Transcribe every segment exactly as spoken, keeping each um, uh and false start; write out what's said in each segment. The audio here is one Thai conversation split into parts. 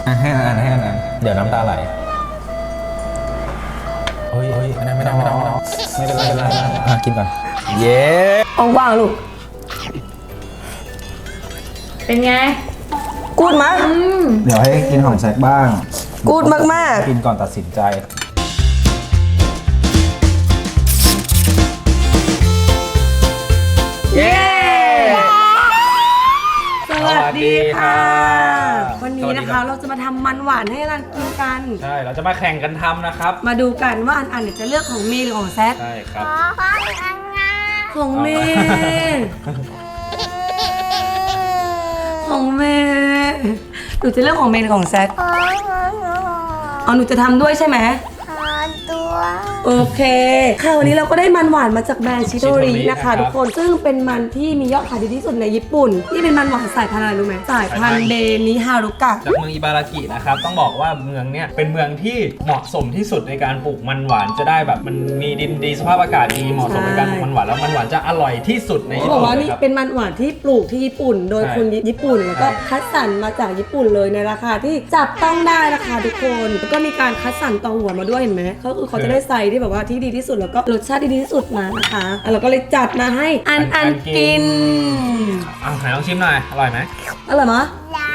ให้อันให้อันนั้นเดี๋ยวน้ำตาไหลเฮ้ยเฮ้ยอันนั้นไม่ได้ไม่ได้ไม่ได้ไม่เป็นไรไม่เป็นไรอ่ะกินก่อนเย้ว่างๆลูกเป็นไงกูดมั้ยเดี๋ยวให้กินของแซกบ้างกูดมากๆกินก่อนตัดสินใจเย้สวัสดีค่ะวันนี้นะคะเราจะมาทำมันหวานให้รันกินกันใช่เราจะมาแข่งกันทำนะครับมาดูกันว่าอันอันจะเลือกของเมย์หรือของแซคใช่ครับของเมย์ของเมย์หนูจะเลือกของเมย์หรือของแซคอ๋อหนูจะทำด้วยใช่ไหมตัวโอเคค่ะวันนี้เราก็ได้มันหวานมาจากแบรนด์ชิโตรินะคะทุกคนซึ่งเป็นมันที่มียอดขายดีที่สุดในญี่ปุ่นที่เป็นมันหวานสายพันธุ์อะไรรู้ไหมสายพันธุ์เดนิฮารุกะจากเมืองอิบารากินะครับต้องบอกว่าเมืองเนี้ยเป็นเมืองที่เหมาะสมที่สุดในการปลูกมันหวานจะได้แบบมันมีดินดีสภาพอากาศดีเหมาะสมในการปลูกมันหวานแล้วมันหวานจะอร่อยที่สุดในญี่ปุ่นบอกว่านี่เป็นมันหวานที่ปลูกที่ญี่ปุ่นโดยคนญี่ปุ่นแล้วก็คัดสรรมาจากญี่ปุ่นเลยในราคาที่จับต้องได้นะคะทุกคนแล้วก็มีการคัดสรรตอหัวมาด้วยเห็นไหมก็คือเขาจะได้ใส่ที่แบบว่าที่ดีที่สุดแล้วก็รสชาติที่ดีที่สุดมานะคะเราก็เลยจัดมาให้อันอันกินอ่ะไหนลองชิมหน่อยอร่อยไหมอร่อยมั้ย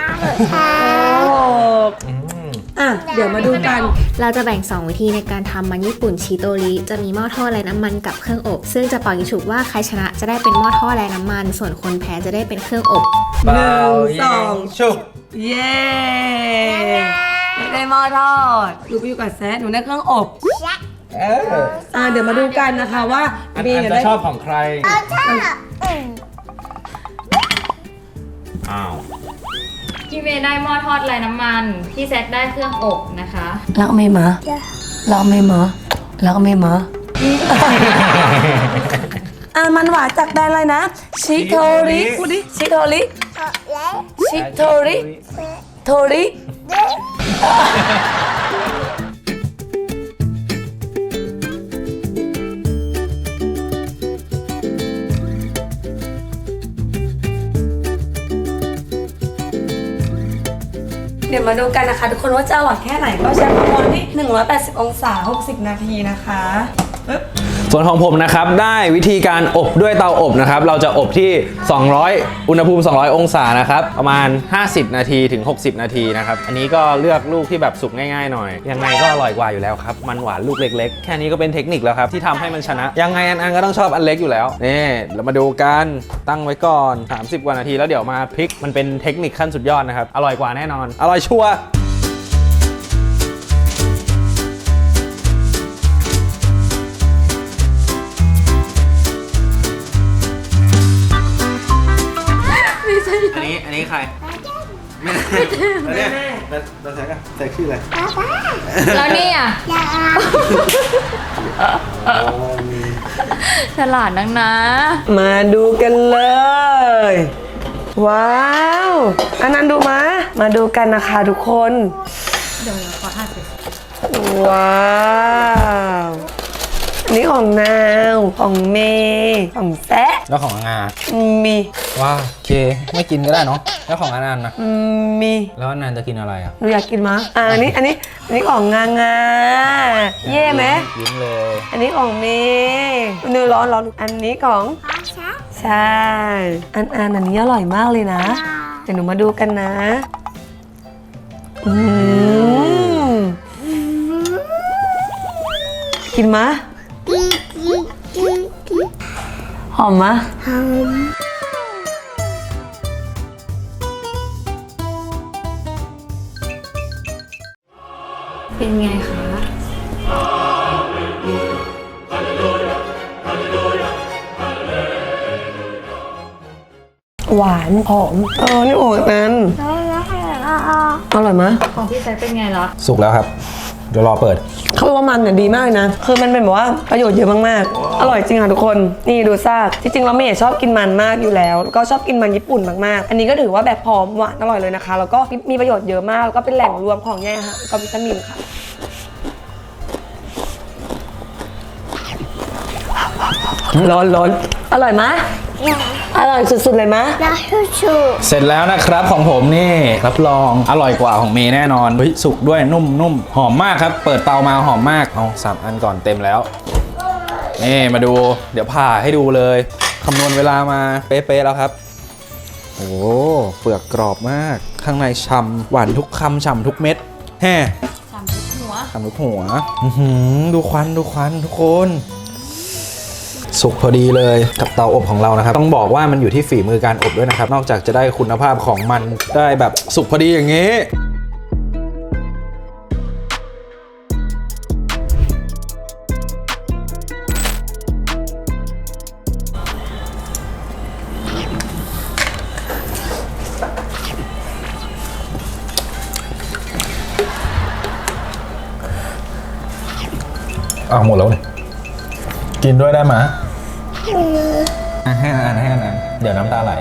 อ่ะเดี๋ยวมาดูกันเราจะแบ่งสองวิธีในการทำมันญี่ปุ่นชิโตริจะมีหม้อทอดไร้น้ำมันกับเครื่องอบซึ่งจะเป่ายิงฉุบว่าใครชนะจะได้เป็นหม้อทอดไร้น้ำมันส่วนคนแพ้จะได้เป็นเครื่องอบหนึ่งสองฉุบเย้ได้หม้อทอดดูไปอยู่กับแซดหนูได้เครื่องอบเอออ่าเดี๋ยวมาดูกันนะคะว่าอันจะชอบของใครอ้าวพี่เมย์ได้หม้อทอดไร้น้ำมันพี่แซคได้เครื่องอบนะคะรักเมย์มารักเมย์มารักเมย์มาอ่ามันหวานจากแบรนด์อะไรนะชิโทริพูดดิชิโทริชิโทริโทริเดี๋ยวมาดูกันนะคะทุกคนว่าจะอร่อยแค่ไหนก็ใช้ความร้อนที่หนึ่งร้อยแปดสิบองศาหกสิบนาทีนะคะส่วนของผมนะครับได้วิธีการอบด้วยเตาอบนะครับเราจะอบที่สองร้อยอุณหภูมิสองร้อยองศานะครับประมาณห้าสิบนาทีถึงหกสิบนาทีนะครับอันนี้ก็เลือกลูกที่แบบสุกง่ายๆหน่อยยังไงก็อร่อยกว่าอยู่แล้วครับมันหวานลูกเล็กๆแค่นี้ก็เป็นเทคนิคแล้วครับที่ทำให้มันชนะยังไงอันอันก็ต้องชอบอันเล็กอยู่แล้วนี่เรามาดูกันตั้งไว้ก่อนสามสิบกว่านาทีแล้วเดี๋ยวมาพลิกมันเป็นเทคนิคขั้นสุดยอดนะครับอร่อยกว่าแน่นอนอร่อยชัวร์อันนี้อันนี้ใครแม่แล้วเนี่ยแล้วแซกอะแซกชื่ออะไรแล้วนี่อ่ะฉลาดนักนะมาดูกันเลยว้าวอันนั้นดูมามาดูกันนะคะทุกคนเดี๋ยวขอท่าสิว้าวนี่ของนาวของเมย์ของแซะแล้วของงามีว้าโอเคไม่กินก็ได้เนาะแล้วของอนันต์นะมีแล้วอนันต์จะกินอะไรอ่ะหนูอยากกินมั้ยอ่าอันนี้อันนี้อันนี้ของงางาเย่ไหมยิ้มเลยอันนี้ของเมย์เนื้อร้อนร้อนอันนี้ของใช่อันอันอันนี้อร่อยมากเลยนะเดี๋ยวหนูมาดูกันนะอืมกินมะหอมมะหอมเป็นไงคะหวานหอมเออนี่โอ้ยนั้นอร่อยมะของพี่แซคเป็นไงล่ะสุกแล้วครับเดี๋ยวรอเปิดเขาบอกว่ามันเนี่ยดีมากนะคือมันเป็นแบบว่าประโยชน์เยอะมากๆอร่อยจริงค่ะทุกคนนี่ดูซากจริงๆเราไม่ชอบกินมันมากอยู่แล้วก็ชอบกินมันญี่ปุ่นมากๆอันนี้ก็ถือว่าแบบหอมหวานอร่อยเลยนะคะแล้วก็มีประโยชน์เยอะมากแล้วก็เป็นแหล่งรวมของแย่ค่ะก็วิตามินค่ะร้อนร้อนอร่อยไหมอร่อยสุดๆเลยมะเสร็จแล้วนะครับของผมนี่รับรองอร่อยกว่าของเมย์แน่นอนเฮ้ยสุกด้วยนุ่มนุ่มหอมมากครับเปิดเตามาหอมมากเอาสามอันก่อนเต็มแล้วนี่มาดูเดี๋ยวผ่าให้ดูเลยคำนวณเวลามาเป๊ะๆแล้วครับโอ้เปลือกกรอบมากข้างในฉ่ำหวานทุกคำฉ่ำทุกเม็ดแฮ่ฉ่ำทุกหัวฉ่ำทุกหัวอื้อหือดูควันดูควันทุกคนสุกพอดีเลยกับเตาอบของเรานะครับต้องบอกว่ามันอยู่ที่ฝีมือการอบด้วยนะครับนอกจากจะได้คุณภาพของมันได้แบบสุกพอดีอย่างนี้อ้าวหมดแล้วเนี่ยกินด้วยได้ไหมให้อันให้อันเดี๋ยวน้ำตาไหล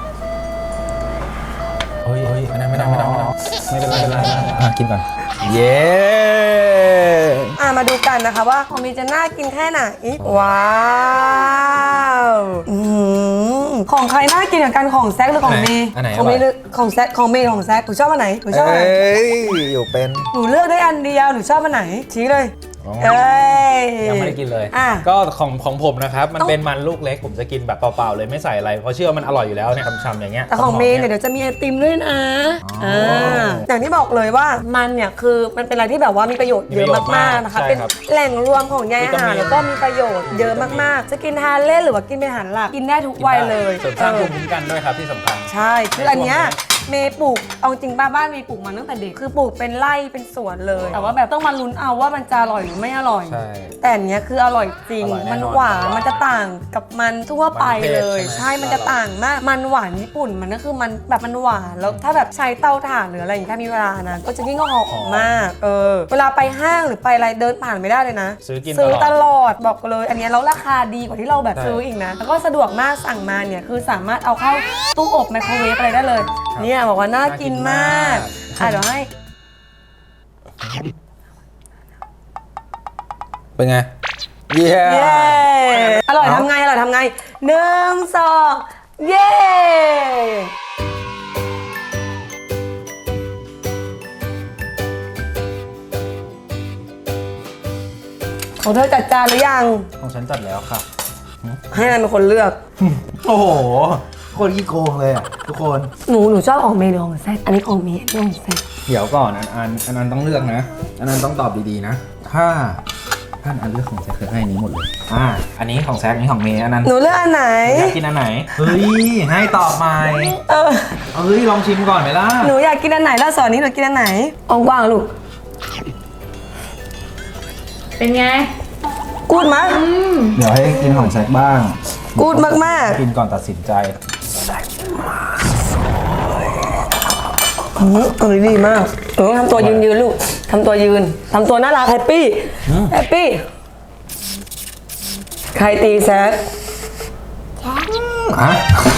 เฮ้ยเฮ้ยไม่ได้ไม่ได้ไม่ได้ไม่เป็นไรไม่เป็นไรอ่ะกินก่อนเย้อ่ะมาดูกันนะคะว่าของมีจะน่ากินแค่ไหนว้าวอืมของใครน่ากินกว่ากันของแซคหรือของเมย์อันไหนของเมย์หรือของแซคของเมย์ของแซคหนูชอบอันไหนหนูชอบอันไหนเอ้ยอยู่เป็นหนูเลือกได้อันเดียวหนูชอบอันไหนชี้เลยเอ้ยยังไม่ได้กินเลยอ่ะก็ของของผมนะครับมันต้องเป็นมันลูกเล็กผมจะกินแบบเปล่าๆเลยไม่ใส่อะไรเพราะเชื่อว่ามันอร่อยอยู่แล้วเนี่ยฉ่ำๆอย่างเงี้ยแต่ของเมย์เนี่ยเดี๋ยวจะมีไอติมด้วยนะอ่าอย่างที่บอกเลยว่ามันเนี่ยคือมันเป็นอะไรที่แบบว่ามีประโยชน์เยอะมากๆนะคะเป็นแหล่งรวมของใยอาหารแล้วก็มีประโยชน์เยอะมากๆจะกินทานเล่นหรือว่ากินเป็นอาหารหลักกินได้ทุกวัยเลยเสริมสร้างภูมิคุ้มกันด้วยครับที่สำคัญใช่คืออันเนี้ยเมย์ปลูกเอาจริงป้าบ้านเมย์ปลูกมาตั้งแต่เด็กคือปลูกเป็นไร่เป็นสวนเลยแต่ว่าแบบต้องมาลุ้นเอาว่ามันจะอร่อยหรือไม่อร่อยใช่แต่อันเนี้ยคืออร่อยจริงอร่อยแน่นอนมันหวานมันจะต่างกับมันทั่วไปเลยมันเผ็ดใช่ไหมใช่มันจะต่างมากมันหวานญี่ปุ่นมันก็คือมันแบบมันหวานแล้วถ้าแบบใช้เตาถ่านหรืออะไรอย่างเงี้ยถ้ามีเวลานะก็จะยิ่งหอมมากเออเวลาไปห้างหรือไปอะไรเดินผ่านไม่ได้เลยนะซื้อกินซื้อตตลอดลอดบอกเลยอันเนี้ยแล้วราคาดีกว่าที่เราแบบใช่ซื้ออีกนะแล้วก็สะดวกมากสั่งมาเนี่ยคือสามารถเอาเข้าตู้อบไมโครเวฟอะไรได้เลยเนี่ยบอกว่าน่ากินมากอ่ะเดี๋ยวให้เป็นไงเย้เย้อร่อยทำไงอร่อยทำไงหนึ่งสองเย้ของเธอจัดจานหรือยังของฉันจัดแล้วค่ะให้นายเป็นคนเลือกโอ้โหโคตรขี้โกงเลยอ่ะทุกคนหนูหนูชอบของเมย์หรือของแซคอันนี้ของเมย์อันนี้ของแซคเดี๋ยวก่อนอันอันอันนั้นต้องเลือกนะอันนั้นต้องตอบดีๆนะถ้าท่านอันเลือกของแซคคือให้อันนี้หมดเลยอ่าอันนี้ของแซคอันนี้ของเมย์อันนั้นหนูเลือกอันไหนอยากกินอันไหนเฮ้ยให้ตอบใหม่เออเฮ้ยลองชิมก่อนไหมล่ะหนูอยากกินอันไหนแล้วสอนนี้หนูกินอันไหนกว้างๆลูกเป็นไงกูดมั้ยเดี๋ยวให้กินของแซคบ้างกูดมากกินก่อนตัดสินใจๆอืมเออดีมากหนูต้องทำตัวยืนยืนๆลูกทำตัวยืนทำตัวน่ารักแฮปปี้แฮปปี้ใครตีแซคอ่ะ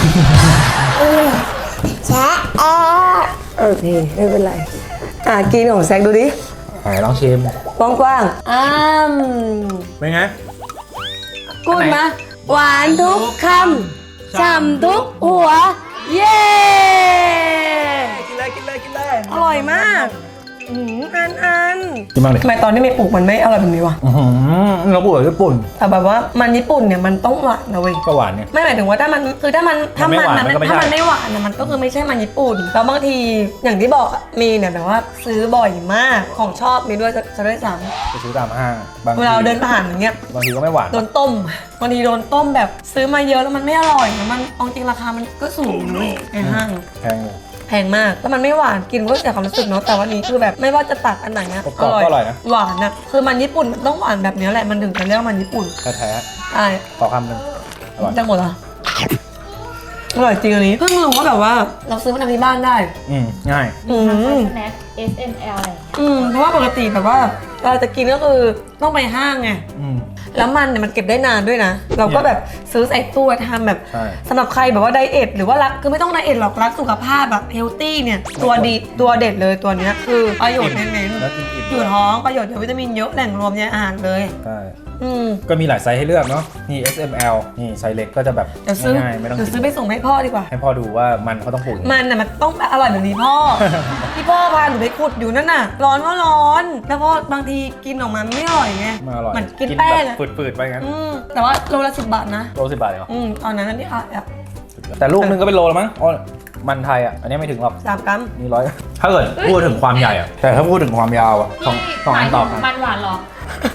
แซคโอเคไม่เป็นไรอ่ะกินของแซคดูดิไหนลองชิมกว้างๆอ้ามเป็นไงกูดมะหวานทุกคำฉ่ำทุกหัว เย้กินเลยกินเลยกินเลยอร่อยมากอืมอันอันกินบ้างดิทำไมตอนที่เมย์ปลูกมันไม่อร่อยแบบนี้วะอื้อหือเราปลูกแบบญี่ปุ่นแต่แบบว่ามันญี่ปุ่นเนี่ยมันต้องหวานนะเว้ยก็หวานเนี่ยไม่หมายถึงว่าถ้ามันคือถ้ามันถ้ามันมันไม่หวานมันก็ไม่ถ้าใช่มันไม่หวานเนี่ยมันก็คือไม่ใช่มันญี่ปุ่นแล้วบางทีอย่างที่บอกอะมีเนี่ยแบบว่าซื้อบ่อยมากของชอบมีด้วยจะจะด้วยซ้ไปซื้อตามห้างบางำทีเวลาเราเดินผ่านอย่างเงี้ยบางทีก็ไม่หวานโดนต้มบางทีโดนต้มแบบซื้อมาเยอะแล้วมันไม่อร่อยแล้วมันเอาจริงราคามันก็สูงด้วยในห้างแพงอยู่แพงมากแล้วมันไม่หวานกินก็เสียความรู้สึกเนาะแต่วันนี้คือแบบไม่ว่าจะตักอันไหนอะกรอบๆก็อร่อยนะหวานอะคือมันญี่ปุ่นมันต้องหวานแบบนี้แหละมันถึงจะเรียกว่ามันญี่ปุ่นแท้ใช่ๆขอคำหนึ่งอร่อยจังหมดเหรออร่อยจริงอันนี้เพิ่งรู้ว่าแบบว่าเราซื้อมาทำที่บ้านได้อืมง่ายอืมสแน็ค เอส เอ็ม แอล อะไรอย่างเงี้ยอืมเพราะว่าปกติแบบว่าเราจะกินก็คือต้องไปห้างไงอืมแล้วมันเนี่ยมันเก็บได้นานด้วยนะ เราก็แบบซื้อใส่ตู้ทำแบบใช่สำหรับใครแบบว่าไดเอทหรือว่ารักคือไม่ต้องไดเอทหรอกรักสุขภาพแบบเฮลตี้เนี่ยตัวดีตัวเด็ดเลยตัวเนี้ยคือประโยชน์เน้นแล้วกินอิ่มๆอยู่ท้องประโยชน์เยอะวิตามินเยอะแหล่งรวมในอาหารเลยใช่อืมก็มีหลายไซส์ให้เลือกเนาะนี่ เอส เอ็ม แอล นี่ไซส์เล็กก็จะแบบเดี๋ยวซื้อง่ายๆไม่ต้องเดี๋ยวซื้อไปส่งให้พ่อดีกว่าให้พ่อดูว่ามันเขาต้องปลูกยังไงมันน่ะมันต้องอร่อยแบบนี้พ่อ ที่พ่อพาหนูไปขุดอยู่นั่นน่ะ ร้อนก็ร้อน แล้วพ่อบางทีกินออกมาไม่อร่อยไงไมาอร่อยเหมือนกินแป้งแบอะบฝืดๆไปงั้นอืมแต่ว่าโลละสิบบาทนะโลสิบบาทเลยเหรออืมตอนนั้นนี่ค่ะแบบแต่ลูกนึงก็เป็นโลแล้วมั้งอ๋อมันไทยอ่ะอันนี้ไม่ถึงหรอกสามกรัมนี่ร้อยถ้าเกิดพูดถึงความใหญ่อะแต่ถ้าพูดถึงความยาวอะสองสองอันต่อกันมันหวานหรอ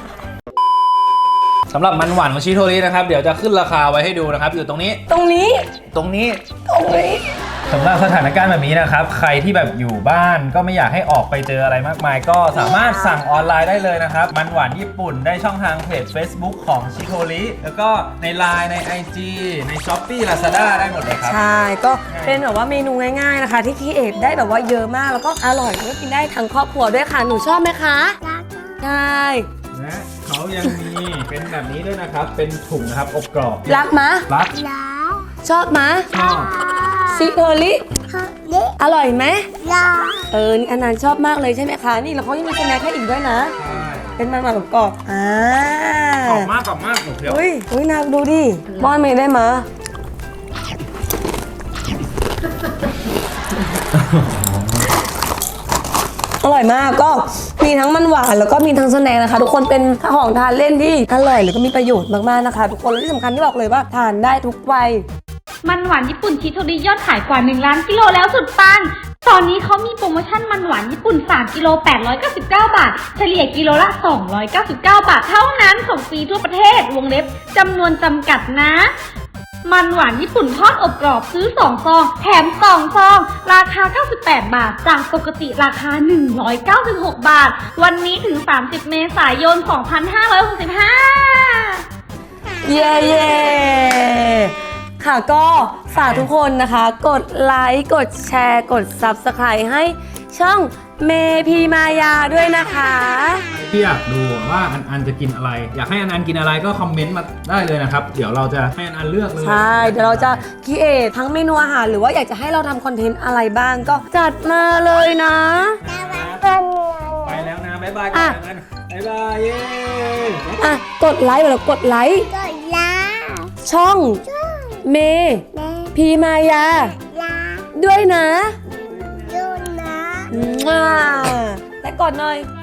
สำหรับมันหวานของชิโทรินะครับเดี๋ยวจะขึ้นราคาไว้ให้ดูนะครับอยู่ตรงนี้ตรงนี้ตรงนี้ตรงนี้สำหรับสถานการณ์แบบนี้นะครับใครที่แบบอยู่บ้านก็ไม่อยากให้ออกไปเจออะไรมากมาย ก็สามารถสั่งออนไลน์ได้เลยนะครับมันหวานญี่ปุ่นได้ช่องทางเพจ Facebook ของชิโทริแล้วก็ใน ไลน์ ใน ไอ จี ใน Shopee Lazada ได้หมดเลยครับใช่ก็เป็นแบบว่าเมนูง่ายๆนะคะ ที่คีเอทได้แบบว่าเยอะมากแล้วก็อร่อยแล้วก็กินได้ทั้งครอบครัวด้วยค่ะหนูชอบไหมคะใช่และเขายังมีเป็นแบบนี้ด้วยนะครับเป็นถุงนะครับอบกรอบรักมะรักชอบมะชอบซิโทริอร่อยไหมเออนี่อันนั้นชอบมากเลยใช่ไหมคะนี่แล้วเขายังมีสแน็คให้อีกด้วยนะใช่เป็นมันหวานกรอบๆอ่ากรอบมากกรอบมากหนูเพียวอุ้ยอุ้ยนาดูดิป้อนเมย์ได้มะอร่อยมากก็มีทั้งมันหวานแล้วก็มีทั้งสแน็คนะคะ ทุกคนเป็นของทานเล่นที่อร่อยแล้วก็มีประโยชน์มากๆนะคะ ทุกคนและที่สำคัญที่บอกเลยว่าทานได้ทุกวัยมันหวานญี่ปุ่นชิโทริยอดขายกว่าหนึ่งล้านกิโลแล้วสุดปัง ตอนนี้เขามีโปรโมชั่นมันหวานญี่ปุ่นสามกิโลแปดร้อยเก้าสิบเก้าบาท เฉลี่ยกิโลละสองร้อยเก้าสิบเก้าบาทเท่านั้นส่งฟรีทั่วประเทศวงเล็บจำนวนจำกัดนะ มันหวานญี่ปุ่นทอดอบกรอบซื้อสองซองแถมสองซองราคาเก้าสิบแปดบาทจากปกติราคาหนึ่งร้อยเก้าสิบหกบาทวันนี้ถึงสามสิบเมษายนสองพันห้าร้อยหกสิบห้าเย้เย้ค่ะก็ฝากทุกคนนะคะ กดไลค์กดแชร์กด ซับสไครบ์ ให้ช่องเมพีมายาด้วยนะคะที่อยากดูว่าอันอันจะกินอะไร อยากให้อันอันกินอะไรก็คอมเมนต์มาได้เลยนะครับ เดี๋ยวเราจะให้อันอันเลือกเลยใช่ เดี๋ยวเราจะคิดเอททั้งเมนูอาหารหรือว่าอยากจะให้เราทำคอนเทนต์อะไรบ้างก็จัดมาเลยนะไปแล้วนะ บ๊ายบายอ่ะกันบ๊ายบายเย้อ่ะ กดไลค์แล้วกดไลค์ช่องเมพีมายาด้วยนะ และกดหน่อย